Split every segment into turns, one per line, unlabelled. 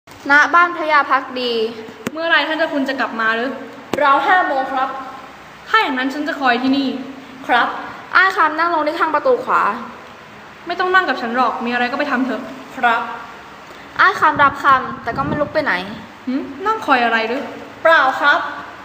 ณบ้านพระยาภักดี
เมื่อไรท่านเจ้าคุณจะกลับมาหรือ
เรา5 โมงครับ
ถ้าอย่างนั้นฉันจะคอยที่นี่
ครับอ้ายคำนั่งลงที่ข้างประตูขวา
ไม่ต้องนั่งกับฉันหรอก มีอะไรก็ไปทำเถอะ
ครับอ้ายคำรับคำแต่ก็ไม่ลุกไปไหน
นั่งคอยอะไรหรือ
เปล่าครับ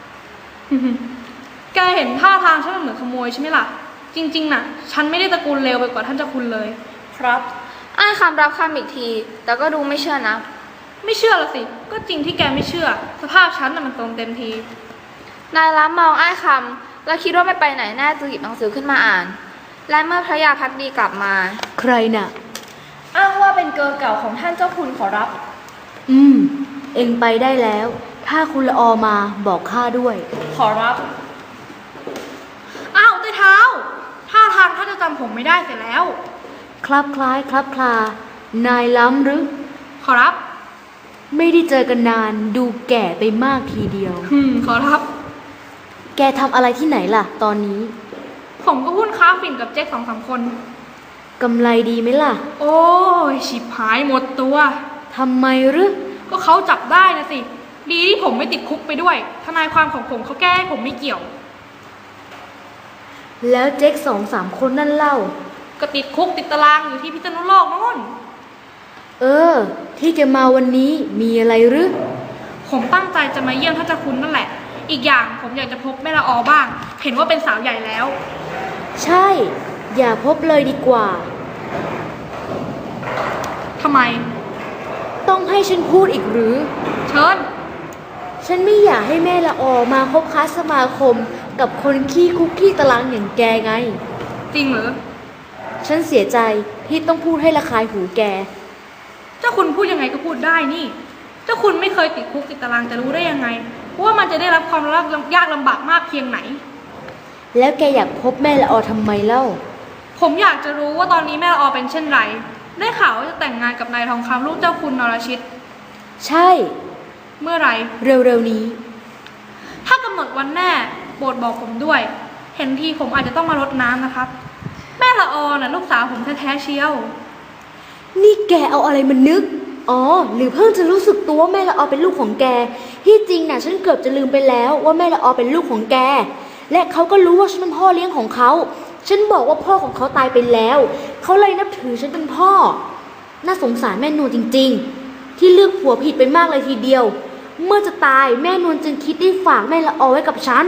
แกเห็นท่าทางฉันเหมือนขโมยใช่ไหมล่ะ จริงๆน่ะ ฉันไม่ได้ตระกูลเลวไปกว่าท่านเจ้าคุณเลย
ครับอ้ายคำรับคำอีกที แต่ก็ดูไม่เชื่อนะ
ไม่เชื่อละสิ ก็จริงที่แกไม่เชื่อ สภาพฉันน่ะมันตรงเต็มที
นายล้ำมองอ้ายคำแล้วคิดว่าไม่ไปไหนแน่จึงหยิบหนังสือขึ้นมาอ่าน และเมื่อพระยาภักดีกลับมา
ใครน่ะ
อ้างว่าเป็นเกอเก่าของท่านเจ้าคุณขอรับ
เอ็งไปได้แล้ว ถ้าคุณละออมาบอกข้าด้วย
ขอรับ
อ้าวใต้เท้า ท่าทางท่านจะจำผมไม่ได้เสียแล้ว
คลับคล้ายคลับคลา นายล้ำหรือ
ขอรับ
ไม่ได้เจอกันนานดูแก่ไปมากทีเดียว
ขอรับ
แกทำอะไรที่ไหนล่ะ ตอนนี้
ผมก็หุ้นค้าฝิ่นกับเจ๊ก2-3 คน
กำไรดีไหมล่ะ
โอ้ยฉิบหายหมดตัว
ทำไมหรือ
ก็เขาจับได้นะสิ ดีที่ผมไม่ติดคุกไปด้วย ทนายความของผมเขาแก้ให้ผมไม่เกี่ยว
แล้วเจ๊ก2-3 คนนั่นเล่า
ก็ติดคุกติดตารางอยู่ที่พิษณุโลกโน่น
ที่แกมาวันนี้มีอะไรหรือ
ผมตั้งใจจะมาเยี่ยมท่านเจ้าคุณนั่นแหละ อีกอย่างผมอยากจะพบแม่ละออบ้าง เห็นว่าเป็นสาวใหญ่แล้ว
ใช่ อย่าพบเลยดีกว่า
ทำไม
ต้องให้ฉันพูดอีกหรือ
เชิญ
ฉันไม่อยากให้แม่ละออมาคบค้าสมาคมกับคนขี้คุกขี้ตารางอย่างแกไง
จริงเหรอ
ฉันเสียใจที่ต้องพูดให้ระคายหูแก
เจ้าคุณพูดยังไงก็พูดได้นี่ เจ้าคุณไม่เคยติดคุกติดตารางจะรู้ได้ยังไงว่ามันจะได้รับความยากลำบากมากเพียงไหน
แล้วแกอยากพบแม่ละออทำไมเล่า
ผมอยากจะรู้ว่าตอนนี้แม่ละออเป็นเช่นไร ได้ข่าวว่าจะแต่งงานกับนายทองคำลูกเจ้าคุณนรชิต
ใช่
เมื่อไหร่
เร็วๆนี้
ถ้ากำหนดวันแน่โปรดบอกผมด้วย เห็นทีผมอาจจะต้องมารดน้ำนะครับ แม่ละออน่ะลูกสาวผมแท้ๆเชียว
นี่แกเอาอะไรมานึก หรือเพิ่งจะรู้สึกตัวว่าแม่ละออเป็นลูกของแก ที่จริงน่ะฉันเกือบจะลืมไปแล้วว่าแม่ละออเป็นลูกของแก และเขาก็รู้ว่าฉันเป็นพ่อเลี้ยงของเขา ฉันบอกว่าพ่อของเขาตายไปแล้ว เขาเลยนับถือฉันเป็นพ่อ น่าสงสารแม่นวลจริงๆ ที่เลือกผัวผิดไปมากเลยทีเดียว เมื่อจะตายแม่นวลจึงคิดได้ฝากแม่ละออไว้กับฉัน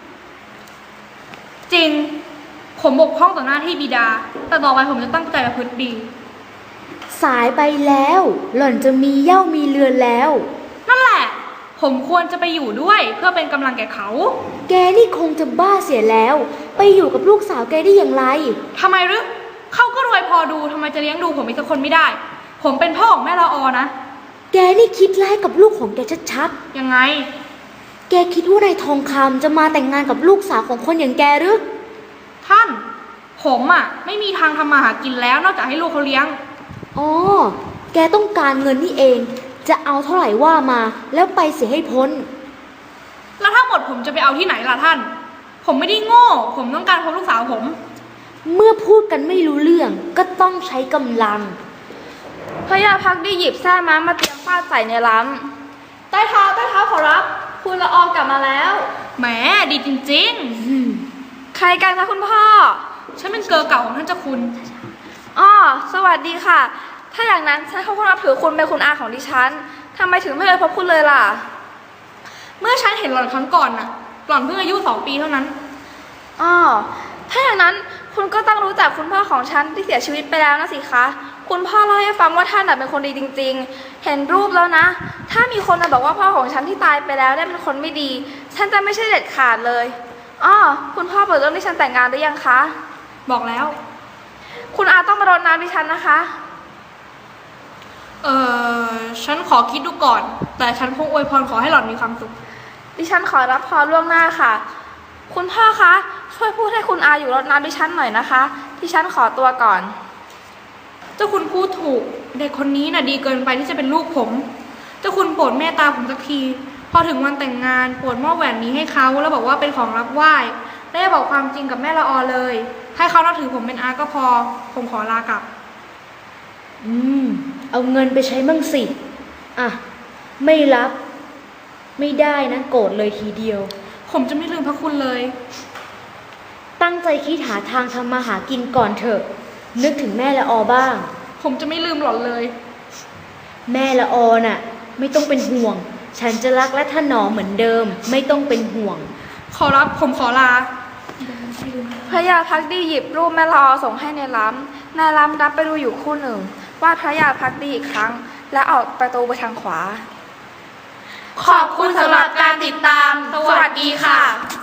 จริง ผมบกพร่องต่อหน้าที่บิดา แต่ต่อไปผมจะตั้งใจประพฤติดี
สายไปแล้ว หล่อนจะมีเหย้ามีเรือนแล้ว
นั่นแหละ ผมควรจะไปอยู่ด้วยเพื่อเป็นกำลังแก่เขา
แกนี่คงจะบ้าเสียแล้ว ไปอยู่กับลูกสาวแกได้อย่างไร
ทำไมหรือเขาก็รวยพอดูทำไมจะเลี้ยงดูผมอีกสักคนไม่ได้ ผมเป็นพ่อของแม่ละออนะ
แกนี่คิดร้ายกับลูกของแกชัด
ยังไง
ๆ แกคิดว่านายทองคำจะมาแต่งงานกับลูกสาวของคนอย่างแกหรือ
ท่าน ผมไม่มีทางทำมาหากินแล้วนอกจากให้ลูกเขาเลี้ยง
แกต้องการเงินนี่เอง จะเอาเท่าไหร่ว่ามา แล้วไปเสียให้พ้น
แล้วถ้าหมดผมจะไปเอาที่ไหนล่ะท่าน ผมไม่ได้โง่ ผมต้องการพบลูกสาวผม
เมื่อพูดกันไม่รู้เรื่องก็ต้องใช้กำลัง
พระยาภักดีหยิบแส้ม้ามาเตรียมฟาดใส่ในล้ำใต้เท้าขอรับ คุณละออกลับมาแล้ว
แหมดีจริง
ใครกันคะคุณพ่อ
ๆ ฉันเป็นเกอเก่าของท่านเจ้าคุณ
สวัสดีค่ะ ถ้าอย่างนั้นฉันเขานับถือคุณเป็นคุณอาของดิฉันทำไมถึงไม่เคยพบคุณเลยล่ะ
เมื่อฉันเห็นหล่อนครั้งก่อนหล่อนเพิ่งอายุ2 ปีเท่านั้น
ถ้าอย่างนั้นคุณก็ต้องรู้จักคุณพ่อของฉันที่เสียชีวิตไปแล้วนะสิคะ คุณพ่อเล่าให้ฟังว่าท่านเป็นคนดีจริงๆ เห็นรูปแล้วนะ ถ้ามีคนมาบอกว่าพ่อของฉันที่ตายไปแล้วเป็นคนไม่ดี ฉันจะไม่ใช่เด็ดขาดเลยคุณพ่อเปิดเรื่องที่ฉันแต่งงานหรือยังคะ
บอกแล้ว
คุณอาต้องมารดน้ำดิฉันนะคะ
ฉันขอคิดดูก่อน แต่ฉันคงอวยพรขอให้หล่อนมีความสุข
ดิฉันขอรับพรล่วงหน้าค่ะ คุณพ่อคะช่วยพูดให้คุณอาอยู่รดน้ำดิฉันหน่อยนะคะดิฉันขอตัวก่อน
เจ้าคุณพูดถูก เด็กคนนี้ดีเกินไปที่จะเป็นลูกผม เจ้าคุณโปรดเมตตาผมสักที พอถึงวันแต่งงานโปรดมอบแหวนนี้ให้เขาแล้วบอกว่าเป็นของรับไหว้และอย่าบอกความจริงกับแม่ละออเลย ให้เขานับถือผมเป็นอาก็พอ ผมขอลากลับ
เอาเงินไปใช้มั่งสิไม่รับ ไม่ได้นะโกรธเลยทีเดียว
ผมจะไม่ลืมพระคุณเลย
ตั้งใจคิดหาทางทำมาหากินก่อนเถอะ นึกถึงแม่ละออบ้าง
ผมจะไม่ลืมหล่อนเลย
แม่ละออน่ะ ไม่ต้องเป็นห่วง ฉันจะรักและถนอมเหมือนเดิม ไม่ต้องเป็นห่วง
ขอรับผมขอลา
พระยาพักดีหยิบรูปแม่ละออส่งให้ในล้ำนายล้ำรับไปดูอยู่ครู่หนึ่งวาดพระยาพักดีอีกครั้ง และออกประตูไปทางขวา
ขอบคุณสำหรับการติดตาม สวัสดีค่ะ